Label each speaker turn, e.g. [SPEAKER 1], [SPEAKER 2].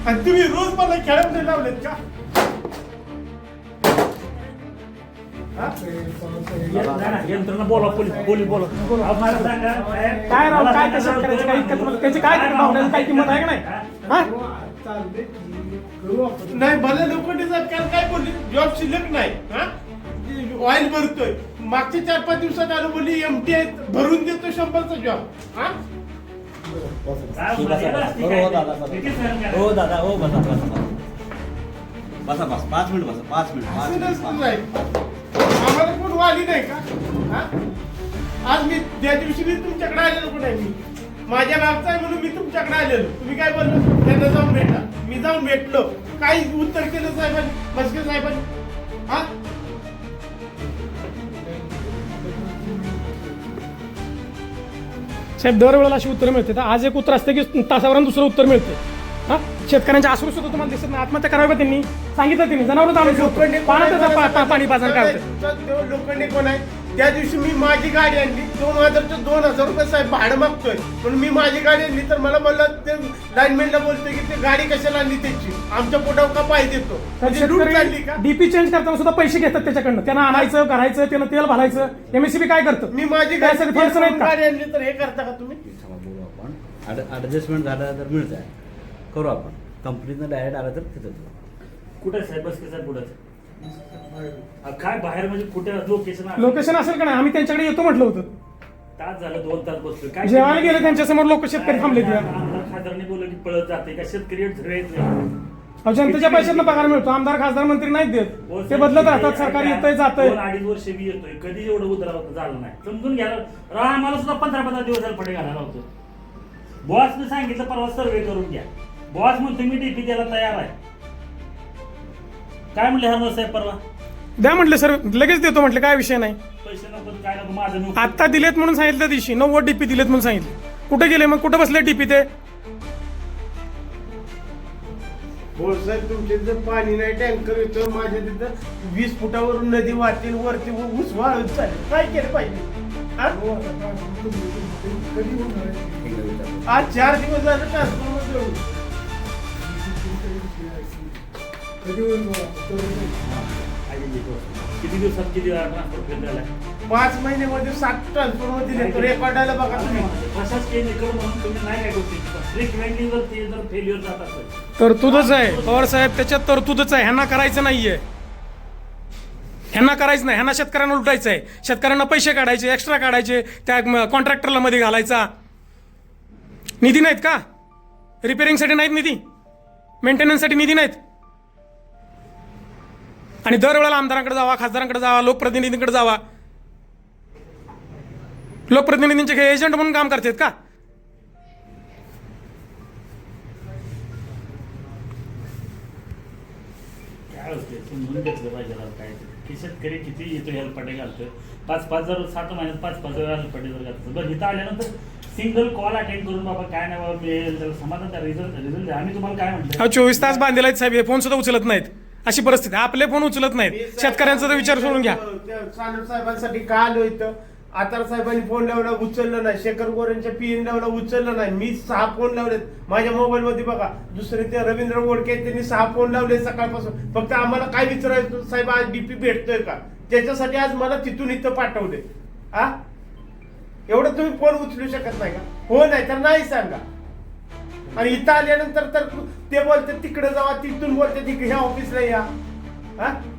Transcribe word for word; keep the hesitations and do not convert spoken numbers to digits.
[SPEAKER 1] आणि तुम्ही रोज मला खेळामध्ये लावलेत का?
[SPEAKER 2] यंत्रणा बोला पोलीस पोलीस बोला
[SPEAKER 3] काय राव काय कसं करायचं काय इतकं तुम्हाला त्याची काय भावनेची काय किंमत आहे का नाही हा
[SPEAKER 1] नाही भले लोखंडी सरकार काय बोलली जॉब शिल्लक नाही हा ऑइल भरतोय मागच्या चार पाच दिवसात आलो बोलली एमटी भरून देतो शंभरचा जॉब हा
[SPEAKER 4] हो दादा हो बसा बसा बसा बस पाच मिनिट बसा पाच मिनिट पाच
[SPEAKER 1] असं
[SPEAKER 4] मिनिट
[SPEAKER 1] नसतं नाही. आम्हाला कोण वाली नाही का हा? आज मी त्या दिवशी मी तुमच्याकडे आलेलो पण आहे मी माझ्या मागचा आहे म्हणून मी तुमच्याकडे आलेलो तुम्ही काय बोललो त्यांना जाऊन भेटा मी जाऊन भेटलो काही उत्तर केलं साहेबांनी मस्के साहेबांनी हा
[SPEAKER 3] साहेब दरवेळेला अशी उत्तर मिळते तर आज एक उत्तर असते की तासावरून दुसरं उत्तर मिळते हा शेतकऱ्यांच्या आसरू सुद्धा तुम्हाला दिसत नाही आत्महत्या करावी का त्यांनी सांगितलं त्यांनी जनावर
[SPEAKER 1] लोखंडी
[SPEAKER 3] पाण्याचं पाणी पाजन काढतं
[SPEAKER 1] लोखंडी कोण आहे त्या दिवशी मी माझी गाडी आणली दोन हजारच्या दोन हजार रुपये साहेब भाडं मागतोय म्हणून मी माझी गाडी आणली तर मला म्हणलं ते लाईनमॅनला बोलतोय की ते गाडी कशाला आणली त्याची आमच्या पोटावर का पाहिजे देतो म्हणजे लूट चालली का
[SPEAKER 3] डीपी चेंज करताना सुद्धा पैसे घेतात त्याच्याकडनं त्यांना आणायचं करायचं त्यांना तेल घालायचं एमएससीबी काय करतं
[SPEAKER 1] मी माझी
[SPEAKER 3] काय सगळे फंड्स नाहीत का?
[SPEAKER 1] गाडी आणली तर हे करता का तुम्ही
[SPEAKER 4] बोलू आपण ऍडजस्टमेंट झालं तर मिळत आहे करू आपण कंपनीनं डायरेक्ट आलं तर तिथं
[SPEAKER 2] कुठे साहेब बस साहेब कुठं काय बाहेर म्हणजे कुठे लोकेशन
[SPEAKER 3] लोकेशन असेल का नाही आम्ही त्यांच्याकडे येतो म्हटलं होतं
[SPEAKER 2] तास झालं दोन तास बसलो काय
[SPEAKER 3] जेवायला गेले त्यांच्या समोर लोक शेतकरी थांबले
[SPEAKER 2] आमदार खासदारांनी बोललं की पळत जाते का शेतकरी झरेत नाही
[SPEAKER 3] जनतेच्या पैशातनं पगार मिळतो आमदार खासदार मंत्री नाहीत देत ते बदलत राहतात सरकार येतंय जातंय
[SPEAKER 2] दोन अडीच वर्ष मी येतोय कधी एवढं उतरावं झालं नाही समजून घ्यायला राहा आम्हाला सुद्धा पंधरा पंधरा दिवस झाले पडे घालायला होतो बॉसने सांगितलं परवा सर्वे करून घ्या बॉस म्हणतो मी डीपी द्यायला तयार आहे काय म्हणले हरमल साहेब परवा
[SPEAKER 3] द्या म्हटलं सर लगेच देतो म्हटलं काय विषय नाही
[SPEAKER 2] पैसे नको काय नको माझं नको
[SPEAKER 3] आता दिलेत म्हणून सांगितलं त्या दिवशी नव्वद डीपी दिलेत म्हणून सांगितलं कुठे गेले मग कुठे बसले डीपी ते
[SPEAKER 1] हो साहेब तुमच्या तिथं पाणी नाही टँकर येतो माझ्या तिथं वीस फुटावरून नदी वाहतील वरती ऊस वाळत चालेल काय केलं पाहिजे हा? आज चार दिवस झालं ट्रान्सफॉर्मर
[SPEAKER 2] किती दिवसात किती ट्रान्सफर झालाय
[SPEAKER 1] पाच महिन्यामध्ये सात ट्रान्सफॉर्मर दिले रेकॉर्डाला बघा तुम्ही
[SPEAKER 2] प्रशासकीय निकड म्हणून तुम्ही नाही काय गोष्टी रिकमेंडिंग जर ते जर फेल्युअर जात असेल
[SPEAKER 3] तरतूदच आहे पवार साहेब त्याच्यात तरतूदच आहे ह्यांना करायचं नाहीये ह्यांना करायचं नाही ह्यांना शेतकऱ्यांना लुटायचं आहे शेतकऱ्यांना पैसे काढायचे एक्स्ट्रा काढायचे त्या कॉन्ट्रॅक्टरला मध्ये घालायचा निधी नाहीत का रिपेअरिंगसाठी नाहीत निधी मेंटेनन्ससाठी निधी नाहीत आणि दरवेळेला आमदारांकडे जावा खासदारांकडे जावा लोकप्रतिनिधींकडे जावा लोकप्रतिनिधींचे काही एजंट म्हणून काम करतात का
[SPEAKER 2] काय असते समजून घेतलं पाहिजे काय की शेतकरी किती येतो हेल्पटे घालतोय पाच पाच जर सात महिन्यात पाच पाच वेळा हेल्पटे जर घालतो बरं इथं आल्यानंतर सिंगल कॉल अटेंड करून बाबा काय नाही बाबा मिळेल त्याला समाधान त्या रिझल्ट रिझल्ट आम्ही तुम्हाला काय म्हणतो
[SPEAKER 3] हा चोवीस तास बांधलेला आहेत साहेब हे फोन सुद्धा उचलत नाहीत अशी परिस्थिती आपले फोन उचलत नाहीत शेतकऱ्यांचा तर विचार सोडून घ्या
[SPEAKER 1] सानप साहेबांसाठी का आलो इथं आतार साहेबांनी फोन लावला उचललं नाही शेखर गोरेंच्या पीएन लावला उचललं नाही मी सहा फोन लावलेत माझ्या मोबाईल मध्ये बघा दुसरे ते रवींद्र वोडके त्यांनी सहा फोन लावले सकाळपासून फक्त आम्हाला काय विचारायचं साहेब आज डीपी भेटतोय का त्याच्यासाठी आज मला तिथून इथं पाठवले हा एवढं तुम्ही फोन उचलू शकत नाही का हो नाही तर नाही सांगा आणि इथं आल्यानंतर तर ते बोलते तिकडे जावा तिथून बोलते तिकडे ह्या ऑफिसला या हा